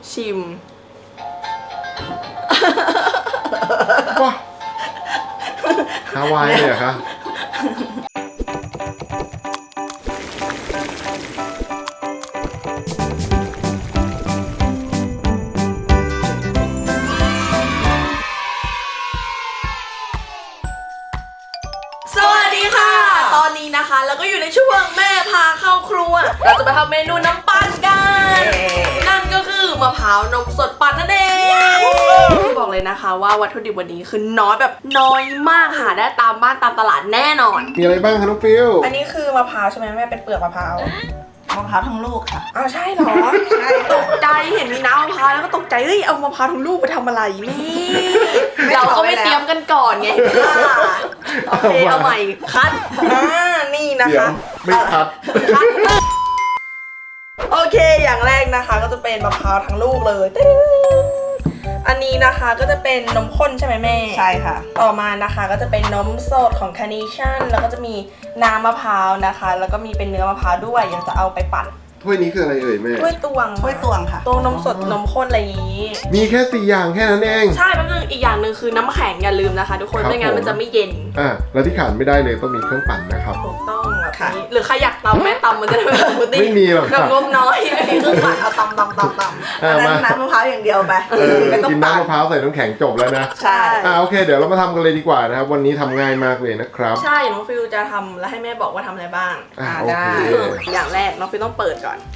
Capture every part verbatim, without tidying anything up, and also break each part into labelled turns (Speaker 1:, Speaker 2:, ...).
Speaker 1: ชิม
Speaker 2: ว้าฮาวายเลยเหรอคะ
Speaker 1: ตอนนี้นะคะแล้วก็อยู่ในช่วงแม่พาเข้าครัวเราจะมาทำเมนูน้ำปั่นกันนั่นก็คือมะพร้าวนมสดปั่นนั่นเองที่บอกเลยนะคะว่าวัตถุดิบวันนี้คือน้อยแบบน้อยมากหาได้ตามบ้านตามตลาดแน่นอน
Speaker 2: มีอะไรบ้างคะน้องฟิว
Speaker 1: อันนี้คือมะพร้าวใช่ไหมแม่เป็นเปลือกมะพร้าว
Speaker 3: มะพร้าวทั้งลูกค่ะ
Speaker 1: อ้าวใช่เหรอใช่ตกใจเห็นมีน้ำมะพร้าวแล้วก็ตกใจเฮ้ยเอามะพร้าวทั้งลูกไปทำอะไรแม่เราก็ไม่เตรียมกันก่อนไงโอเคเอาใหม่คัดอ่านี่นะคะ
Speaker 2: ไม่คัด
Speaker 1: คัดโอเคอย่างแรกนะคะก็จะเป็นมะพร้าวทั้งลูกเลยอันนี้นะคะก็จะเป็นนมข้นใช่ไหมแม่
Speaker 3: ใช่ค่ะ
Speaker 1: ต่อมานะคะก็จะเป็นนมสดของ Carnation แล้วก็จะมีน้ำมะพร้าวนะคะแล้วก็มีเป็นเนื้อมะพร้าวด้วยอยากจะเอาไปปั่น
Speaker 2: ถ้วยนี้คืออะไรเอ่ยแม่
Speaker 1: ถ้วยตวง
Speaker 3: ถ้วยตวงค่ะ
Speaker 1: ตวงนมสดนมข้นอะไรอย่างนี้
Speaker 2: มีแค่สี่อย่างแค่นั้นเอง
Speaker 1: ใช่แป๊บนึงอีกอย่างหนึ่งคือน้ำแข็งอย่าลืมนะคะทุกคนไม่งั้นมันจะไม่เย็น
Speaker 2: อ่ะแล้วที่ขาดไม่ได้เลยต้องมีเครื่องปั่นนะครับ
Speaker 1: ถูกต้องแบบนี้หรือใครอยากตำแม่ตำมันจะได้แบบสมูทตี้
Speaker 2: ไม่มีหรอก
Speaker 1: แบบงบน้อยไม่มีเครื่องปั่นเอาตำตำตำตำ
Speaker 3: อันนั้นน้ำมะพร้าวอย่างเดียวไป
Speaker 2: กินน้ำมะพร้าวใส่น้ำแข็งจบแล้วนะ
Speaker 1: ใช่
Speaker 2: อ่าโอเคเดี๋ยวเรามาทำกันเลยดีกว่านะครับวันนี้ทำง่ายมากเลยนะครับ
Speaker 1: ใช่น้องฟิวจะทำแล้วให้แม่บอกว่าทำอะไรบ้าง
Speaker 2: อ่าได้
Speaker 1: อย่างแรกน้องฟิวต้องเปิดก่อน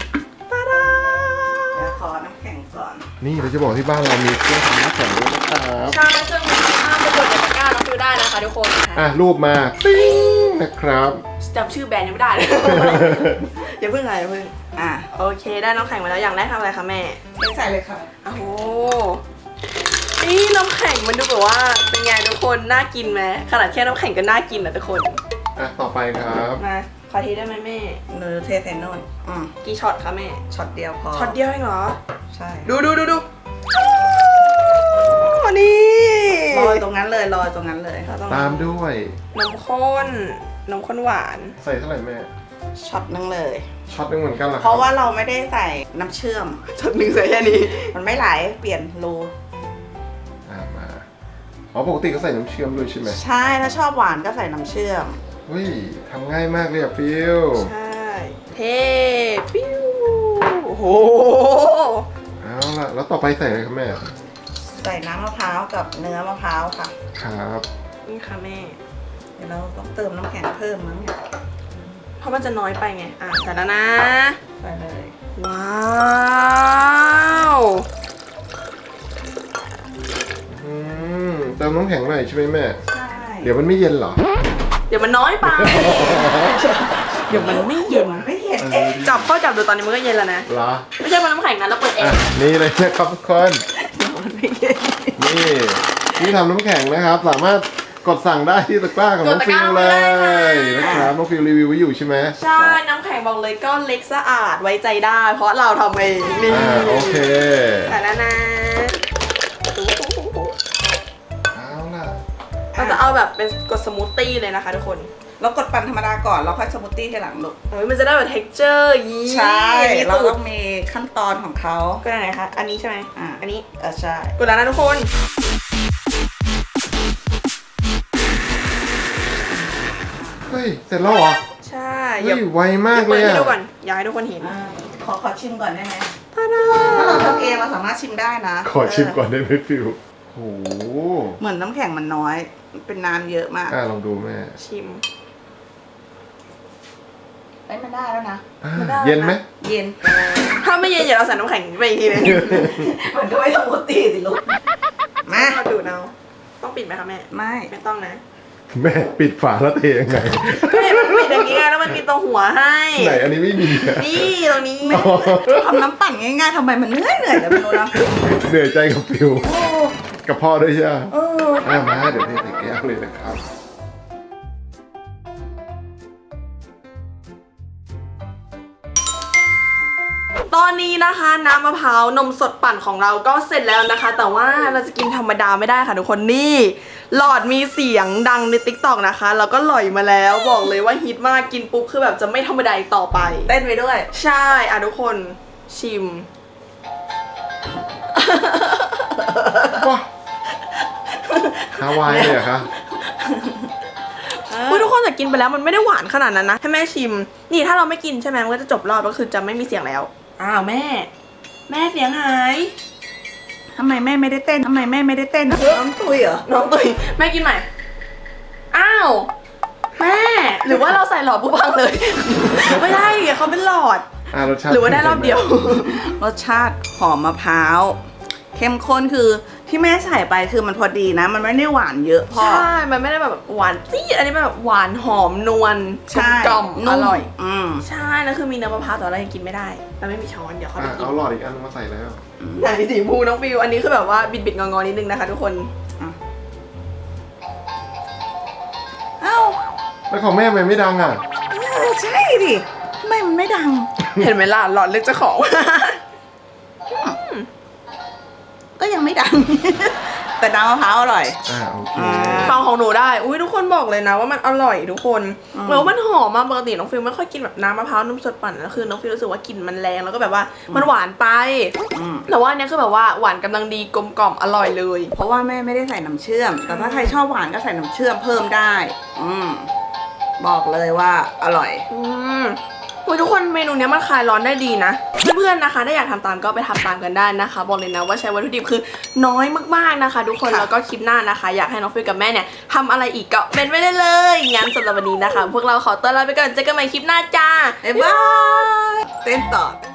Speaker 3: ขอน้ำแข็งก่อน
Speaker 2: นี่เราจะบอกที่บ้านเรามีเครื่องทำน้ำแข็งด้วยนะครับ
Speaker 1: ใช่เครื่องมือที่ห้ามไปกดในตะกร้าน้องฟิวได้นะคะทุกคน
Speaker 2: อ่ะรูปมาปิ้งนะครับ
Speaker 1: จำชื่อแบรนด์ยังไม่ได้เลยอย่าเพิ่งอะไรอย่าเพิ่งอ่ะโอเคได้น้ำแข็งมาแล้วอย่างแรกทำอะไรคะแม่
Speaker 3: ใส่เลยค่ะ
Speaker 1: โอ้โหนี่น้ำแข็งมันดูแบบว่าเป็นไงทุกคนน่ากินไหมขนาดแค่น้ำแข็งก็น่ากินนะทุกคน
Speaker 2: อ่ะต่อไปครับ
Speaker 1: มาขอทีได้ไหมแม่
Speaker 3: เนื้อเทใส่นนอืม
Speaker 1: กี่ช็อตคะแม่
Speaker 3: ช็อตเดียวพอ
Speaker 1: ช็อตเดียวเองเหรอ
Speaker 3: ใช่
Speaker 1: ดูดูดูดูนี่
Speaker 3: ลอยตรงนั้นเลยลอยตรงนั้นเลย
Speaker 2: ตามด้วย
Speaker 1: นมข้นนมข้นหวาน
Speaker 2: ใส่เท่าไหร่แม่
Speaker 3: ช็อตนึงเลย
Speaker 2: ช็อตนึงเหมือนกันเหรอ
Speaker 3: เพราะว่าเราไม่ได้ใส่น้ำเชื่อม
Speaker 1: ช็อตนึงใส่แค่นี้
Speaker 3: มันไม่ไหลเปลี่ยนรู
Speaker 2: อ่ามาอ๋อปกติก็ใส่น้ำเชื่อมด้วยใช่ไหม
Speaker 3: ใช่ถ้าชอบหวานก็ใส่น้ำเชื่อม
Speaker 2: เฮ้ยทำง่ายมากเลยอะฟิว
Speaker 1: ใช่เท่ฟิวโอ้โห
Speaker 2: เอาล่ะแล้วต่อไปใส่อะไรครับแม่
Speaker 3: ใส่น้ำมะพร้าวกับเนื้อมะพร้าวค่ะ
Speaker 2: ครับ
Speaker 1: นี่ค่ะแม่
Speaker 3: เดี๋ยวเราต้องเติมน้ำแข็งเพิ่มมั้งเนี่ย
Speaker 1: เพราะมันจะน้อยไปไงอ่ะใส่แล้วนะ
Speaker 3: ใส่เลย
Speaker 1: ว้าว
Speaker 2: อืมเติมน้ำแข็งหน่อยใช่ไหมแม่
Speaker 3: ใช่
Speaker 2: เดี๋ยวมันไม่เย็นเหรอ
Speaker 1: เดี๋ยวมันน้อยไปเดี๋ยวมันไม่เย็น
Speaker 3: ไม่เย็น
Speaker 1: จับเข้าจับดูตอนนี้มันก็เย็นแล้วนะ
Speaker 2: เหรอ
Speaker 1: ไม่ใช่มันน้ำแข็งนะเราเปิดเอง
Speaker 2: นี่เลยนะครับทุกคนนี่ที่ทำน้ำแข็งนะครับสามารถกดสั่งได้ที่ตะกร้าของน้องฟิวเลยนะครับน้องฟิวรีวิวไว้อยู่ใช่ไหม
Speaker 1: ใช่น้ำแข็งบอกเลยก้อนเล็กสะอาดไว้ใจได้เพราะเราทำเองนี่
Speaker 2: โอเค
Speaker 1: แต่แล้วนะ
Speaker 2: เอาล่ะ
Speaker 1: เราจะเอาแบบเป็นกดสมูทตี้เลยนะคะทุกคน
Speaker 3: เรากดปั่นธรรมดาก่อนเราค่อยสมูทตี้ทีหลังลูก
Speaker 1: เฮ้ยมันจะได้แบบ texture ยี่
Speaker 3: ใช่เราต้องมีขั้นตอนของเขา
Speaker 1: ก็ไหนคะอันนี้ใช่ไหม
Speaker 3: อ่า
Speaker 1: อันนี้
Speaker 3: เออใช่
Speaker 1: กดแล้วนะทุกคน
Speaker 2: เฮ้ยเสร็จแล้วเหรอ
Speaker 1: ใช่
Speaker 2: เฮ้ยไวมากเลย
Speaker 1: อ่ะให้ดูก่อนอยากให้ทุกคนเห็น
Speaker 3: ขอขอชิมก่อนได้ไหมถ้าเราทำเองเราสามารถชิมได้นะ
Speaker 2: ขอชิมก่อนได้ไหมฟิวโห
Speaker 3: เหมือนน้ำแข็งมันน้อยเป็นน้ำเยอะมาก
Speaker 2: อ่าลองดูแม่
Speaker 1: ชิม
Speaker 3: เอ้ยมันได้แล้วนะ
Speaker 2: เย็นไหม
Speaker 3: เย็น
Speaker 1: ถ้าไม่เย็นอย่าเราใส่น้ำแข็งไปอีกทีนึง
Speaker 3: มันก็ไม่สมูทตี้สิลูก
Speaker 1: มาดูเอาต้องปิดไหมคะแม่
Speaker 3: ไม่
Speaker 1: ไม่ต้องนะ
Speaker 2: แม่ปิดฝาแล้วเทยังไง
Speaker 1: ก็เห็นมันปิดอย่างนี้ไงแล้วมันมีตรงหัวให้
Speaker 2: ไหนอันนี้ไม่มี
Speaker 1: นี่ตรงนี้
Speaker 3: ทำน้ำปั่นง่ายๆทำไมมันเหนื่อยเหนื่อยแล้วไม่รู้นะ
Speaker 2: เหนื่อยใจกับฟิวกับพ่อด้วยใช่ไหมอ่ามาเดี๋ยวเทใส่แก้วเลยนะครับ
Speaker 1: ตอนนี้นะคะน้ำมะพร้าวนมสดปั่นของเราก็เสร็จแล้วนะคะแต่ว่าเราจะกินธรรมดาไม่ได้ค่ะทุกคนนี่หลอดมีเสียงดังใน ติ๊กต็อก นะคะแล้วก็หล่อยมาแล้วบอกเลยว่าฮิตมากกินปุ๊บคือแบบจะไม่ธรรมดาอีกต่อไป
Speaker 3: เต้นไปด้วย
Speaker 1: ใช่อ่ะทุกคนชิม
Speaker 2: ว้าฮาวายเลยเหรอคะ
Speaker 1: อุ๊ยทุกคนแต่กินไปแล้วมันไม่ได้หวานขนาดนั้นนะให้แม่ชิมนี่ถ้าเราไม่กินใช่ไหมมันก็จะจบรอบก็คือจะไม่มีเสียงแล้วอ้าวแม่ แม่เสียงหาย
Speaker 3: ทำไมแม่ไม่ได้เต้นทำไมแม่ไม่ได้เต้นน้องตุยเหรอ
Speaker 1: น้องตุยแม่กินใหม่อ้าวแม่หรือว่าเราใส่หลอดผู้พังเลย ไม่ได้เขาเป็นหลอด
Speaker 2: อ่ารสชาติ
Speaker 1: หรือว่าได้รอบเดียว
Speaker 3: รสชาติหอมมะพร้าวเข้มข้นคือที่แม่ใส่ไปคือมันพอดีนะ มันไม่ได้หวานเยอะพ่อ
Speaker 1: ใช่ มันไม่ได้แบบหวานจี๊ดอันนี้มันแบบหวานหอมนวล
Speaker 3: ใช่
Speaker 1: กลมๆอร่อย
Speaker 3: อืม
Speaker 1: ใช่แล้วคือมีน้ำมะพร้าวแต่เรายังกินไม่ได้เราไม่มีช้อนเดี๋ยวเขา
Speaker 2: อ่ะ
Speaker 1: ไปกิน
Speaker 2: เอาหลอดอีกอันนึงมาใส่แล้ว
Speaker 1: ไหนสีชมพูน้องฟิวอันนี้คือแบบว่าบิดบิดๆงอๆนิดนึงนะคะทุกคน
Speaker 3: เอ้า
Speaker 2: แล้วของแม่ทำไมไม่ดังอ่ะ
Speaker 3: เออใช่ดิทำไมมันไม่ดัง
Speaker 1: เห็นไหมล่ะหลอดเลือกเจ้าของ
Speaker 3: ก็ยังไม่ดัง แต่น้ำมะพร้าวอร่อย
Speaker 2: อ่าโอเค
Speaker 3: อ่า
Speaker 1: ฟังของหนูได้ อุ้ยทุกคนบอกเลยนะว่ามันอร่อยทุกคน
Speaker 3: อืม
Speaker 1: แล้วมันหอมมากปกติน้องฟิลไม่ค่อยกินแบบน้ำมะพร้าวนมสดปั่นแล้วคือน้องฟิลรู้สึกว่ากลิ่นมันแรงแล้วก็แบบว่ามันหวานไป
Speaker 3: อืม
Speaker 1: แต่ว่าอันเนี้ยคือแบบว่าหวานกำลังดีกลมกล่อมอร่อยเลย
Speaker 3: เพราะว่าแม่ไม่ได้ใส่น้ำเชื่อม แต่ถ้าใครชอบหวานก็ใส่น้ำเชื่อมเพิ่มได้ อืมบอกเลยว่าอร่อย
Speaker 1: อืมอุ๊ยทุกคนเมนูเนี้ยมันคลายร้อนได้ดีนะ เพื่อนๆนะคะถ้าอยากทำตามก็ไปทำตามกันได้นะคะ บอกเลยนะว่าใช้วัตถุดิบคือน้อยมากๆนะคะ ทุกคน
Speaker 3: ค่ะ
Speaker 1: แล้วก็คลิปหน้านะคะ อยากให้น้องฟิลกับแม่เนี่ยทำอะไรอีกก็เป็นไว้ได้เลยงั้นสำหรับวันนี้นะคะ พวกเราขอตัวลาไปก่อนเจอกันใหม่คลิปหน้าจ้า
Speaker 3: บ๊ายบายเต้นต่อ